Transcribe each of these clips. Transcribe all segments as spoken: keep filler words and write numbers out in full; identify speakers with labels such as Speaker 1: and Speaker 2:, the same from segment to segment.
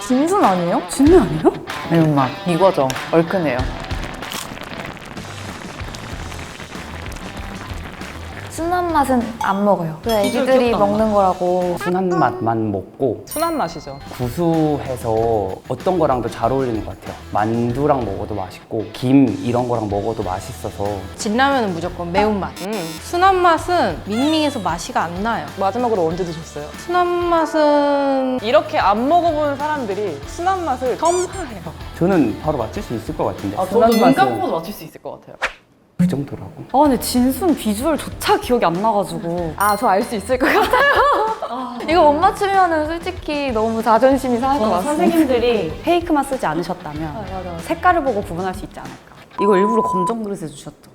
Speaker 1: 진순 아니에요?
Speaker 2: 진매 아니에요?
Speaker 3: 매운맛 이거죠. 얼큰해요.
Speaker 1: 순한 맛은 안 먹어요. 그 애기들이 먹는 거라고.
Speaker 2: 순한 맛만 먹고
Speaker 4: 순한 맛이죠.
Speaker 2: 구수해서 어떤 거랑도 잘 어울리는 것 같아요. 만두랑 먹어도 맛있고 김 이런 거랑 먹어도 맛있어서.
Speaker 5: 진라면은 무조건 매운맛.
Speaker 4: 음.
Speaker 5: 순한 맛은 밍밍해서 맛이가 안 나요.
Speaker 4: 마지막으로 언제 드셨어요?
Speaker 5: 순한 맛은
Speaker 4: 이렇게 안 먹어본 사람들이 순한 맛을 첨하해요.
Speaker 2: 저는 바로 맞출 수 있을 것 같은데.
Speaker 3: 아,
Speaker 2: 순한
Speaker 3: 저도 눈
Speaker 2: 맛은
Speaker 3: 감고도 맞출 수 있을 것 같아요.
Speaker 2: 그 정도라고.
Speaker 6: 아 근데 진순 비주얼조차 기억이 안 나가지고.
Speaker 1: 아, 저 알 수 있을 것 같아요. 이거 못 맞추면은 솔직히 너무 자존심이 상할 것
Speaker 6: 저는
Speaker 1: 같습니다.
Speaker 6: 선생님들이 페이크만 쓰지 않으셨다면
Speaker 1: 맞아.
Speaker 6: 색깔을 보고 구분할 수 있지 않을까. 이거 일부러 검정 그릇에 주셨죠.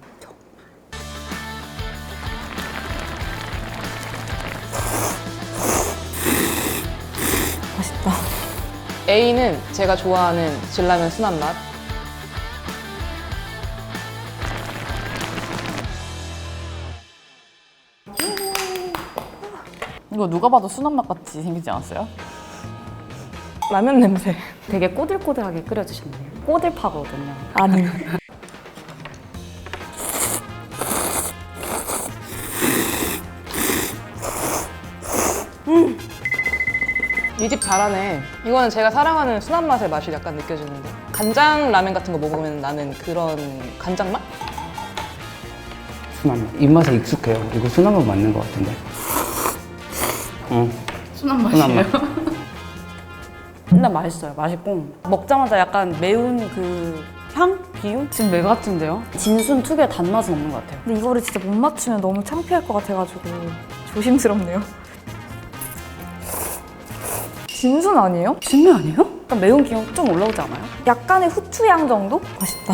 Speaker 1: 맛있다.
Speaker 4: A는 제가 좋아하는 진라면 순한 맛.
Speaker 3: 이거 누가 봐도 순한 맛 같이 생기지 않았어요?
Speaker 4: 라면 냄새.
Speaker 6: 되게 꼬들꼬들하게 끓여주셨네요. 꼬들파거든요.
Speaker 1: 아니.
Speaker 4: 이 집 잘하네. 이거는 제가 사랑하는 순한 맛의 맛이 약간 느껴지는데. 간장 라면 같은 거 먹으면 나는 그런 간장 맛?
Speaker 2: 순한 맛. 입맛에 익숙해요. 이거 순한 맛 맞는 것 같은데. 응.
Speaker 3: 순한
Speaker 2: 순한
Speaker 3: 맛이에요.
Speaker 2: 맛.
Speaker 6: 근데 맛있어요. 맛있고 먹자마자 약간 매운 그 향? 비움? 지금 매 같은데요? 진순 특유의 단맛은 없는 것 같아요.
Speaker 1: 근데 이거를 진짜 못 맞추면 너무 창피할 것 같아가지고 조심스럽네요. 진순 아니에요?
Speaker 6: 진매 아니에요? 약간 매운 기운 좀 올라오지 않아요?
Speaker 1: 약간의 후추향 정도? 맛있다.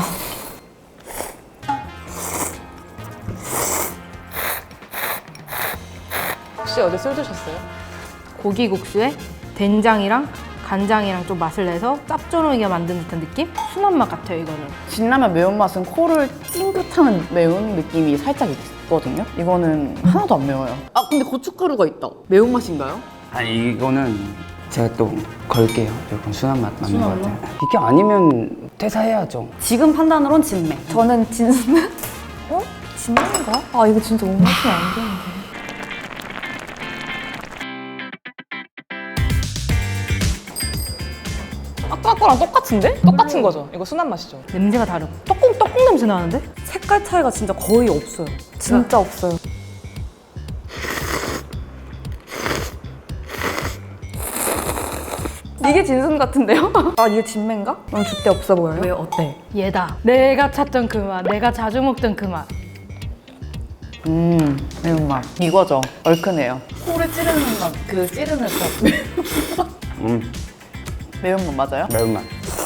Speaker 4: 혹시 어제 술 드셨어요?
Speaker 5: 고기국수에 된장이랑 간장이랑 좀 맛을 내서 짭조름하게 만든 듯한 느낌? 순한 맛 같아요, 이거는.
Speaker 3: 진라면 매운맛은 코를 찡긋하는 매운 느낌이 살짝 있거든요. 이거는 하나도 안 매워요. 아 근데 고춧가루가 있다. 매운맛인가요?
Speaker 2: 아니 이거는 제가 또 걸게요. 이건 순한 맛 맞는 것 같아요. 이게 아니면 퇴사해야죠.
Speaker 6: 지금 판단으론 진매.
Speaker 1: 저는 진순. 어? 진순인가? 아, 이거 진짜 못 맞추면 안 되는데.
Speaker 4: 아까 거랑 똑같은데? 똑같은 거죠. 이거 순한 맛이죠.
Speaker 5: 냄새가 다르고. 떡국, 떡국 냄새 나는데?
Speaker 6: 색깔 차이가 진짜 거의 없어요.
Speaker 1: 진짜 없어요. 이게 진순 같은데요? 아, 이게 진매인가? 너무 줏대 없어 보여요?
Speaker 6: 왜 어때?
Speaker 5: 얘다. 내가 찾던 그 맛, 내가 자주 먹던 그 맛.
Speaker 3: 음 매운맛 이거죠. 얼큰해요.
Speaker 6: 코를 찌르는 맛, 그 찌르는 것.
Speaker 2: 음,
Speaker 3: 매운맛 맞아요?
Speaker 2: 매운맛.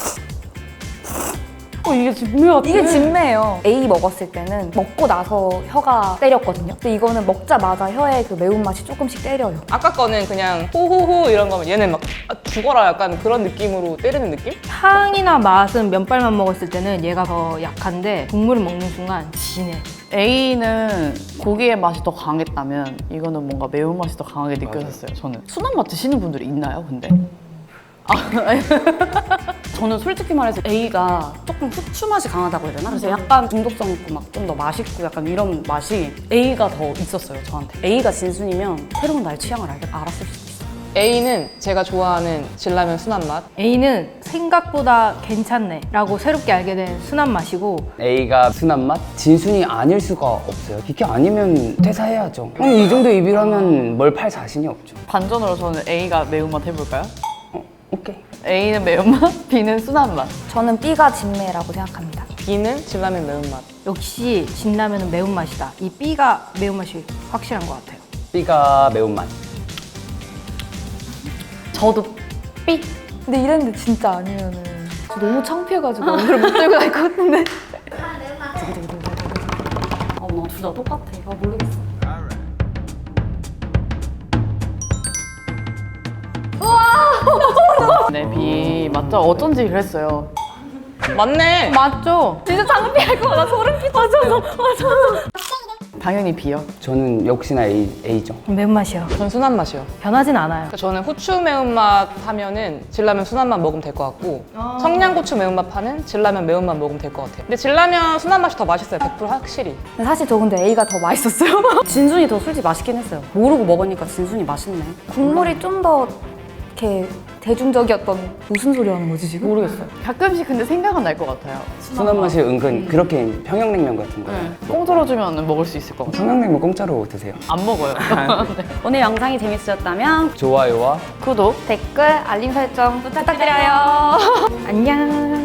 Speaker 6: 어, 이게 진매 같아.
Speaker 1: 이게 진매예요. A 먹었을 때는 먹고 나서 혀가 때렸거든요. 근데 이거는 먹자마자 혀에 그 매운맛이 조금씩 때려요.
Speaker 4: 아까 거는 그냥 호호호 이런 거면 얘는 막 아, 죽어라 약간 그런 느낌으로 때리는 느낌?
Speaker 5: 향이나 맛은 면발만 먹었을 때는 얘가 더 약한데 국물을 먹는 순간 진해.
Speaker 3: A는 고기의 맛이 더 강했다면 이거는 뭔가 매운맛이 더 강하게 느껴졌어요. 저는 순한 맛 드시는 분들이 있나요? 근데?
Speaker 6: 저는 솔직히 말해서 A가 조금 후추 맛이 강하다고 해야 되나? 그래서 약간 중독성 있고 막 좀 더 맛있고 약간 이런 맛이 A가 더 있었어요, 저한테. A가 진순이면 새로운 나의 취향을 알, 알았을 수도 있어요.
Speaker 4: A는 제가 좋아하는 진라면 순한 맛.
Speaker 5: A는 생각보다 괜찮네 라고 새롭게 알게 된 순한 맛이고
Speaker 2: A가 순한 맛? 진순이 아닐 수가 없어요. 이게 아니면 퇴사해야죠. 그럼 이 정도 입이라면 뭘 팔 자신이 없죠.
Speaker 3: 반전으로 저는 A가 매운맛 해볼까요?
Speaker 2: 어, 오케이.
Speaker 3: A는 매운맛, B는 순한 맛.
Speaker 1: 저는 B가 진매라고 생각합니다.
Speaker 4: B는 진라면 매운맛.
Speaker 5: 역시 진라면은 매운맛이다. 이 B가 매운맛이 확실한 것 같아요.
Speaker 2: B가 매운맛.
Speaker 6: 저도 B.
Speaker 1: 근데 이랬는데 진짜 아니면은 저 너무 창피해가지고 오늘 못 들고 갈 것 같은데.
Speaker 6: 어, 나둘 다 똑같아. 아, 모르겠어.
Speaker 3: 네, B 맞죠? 어쩐지 그랬어요.
Speaker 4: 맞네.
Speaker 5: 맞죠?
Speaker 1: 진짜 창피할 것 같아. 소름 끼쳐. 맞아, 맞아.
Speaker 3: 당연히 B요.
Speaker 2: 저는 역시나 A, A죠.
Speaker 5: 매운맛이요.
Speaker 4: 전 순한 맛이요.
Speaker 5: 변하진 않아요.
Speaker 4: 그러니까 저는 후추 매운맛 하면은 진라면 순한맛 먹으면 될 것 같고 청양고추 매운맛 파는 진라면 매운맛 먹으면 될 것 같아요. 근데 진라면 순한 맛이 더 맛있어요. 백 퍼센트 확실히.
Speaker 1: 근데 사실 저 근데 A가 더 맛있었어요.
Speaker 6: 진순이 더 솔직히 맛있긴 했어요. 모르고 먹으니까 진순이 맛있네.
Speaker 1: 국물이 좀 더 이렇게 대중적이었던 무슨 소리 하는 거지 지금?
Speaker 6: 모르겠어요.
Speaker 3: 가끔씩 근데 생각은 날 것 같아요.
Speaker 2: 순한 맛이 은근 그렇게 평양냉면 같은 거.
Speaker 3: 네. 공짜로 주면 먹을 수 있을 것 같아요.
Speaker 2: 평양냉면 공짜로 드세요.
Speaker 3: 안 먹어요.
Speaker 6: 오늘 영상이 재밌으셨다면
Speaker 2: 좋아요와
Speaker 3: 구독.
Speaker 1: 댓글, 알림 설정 부탁드려요. 안녕.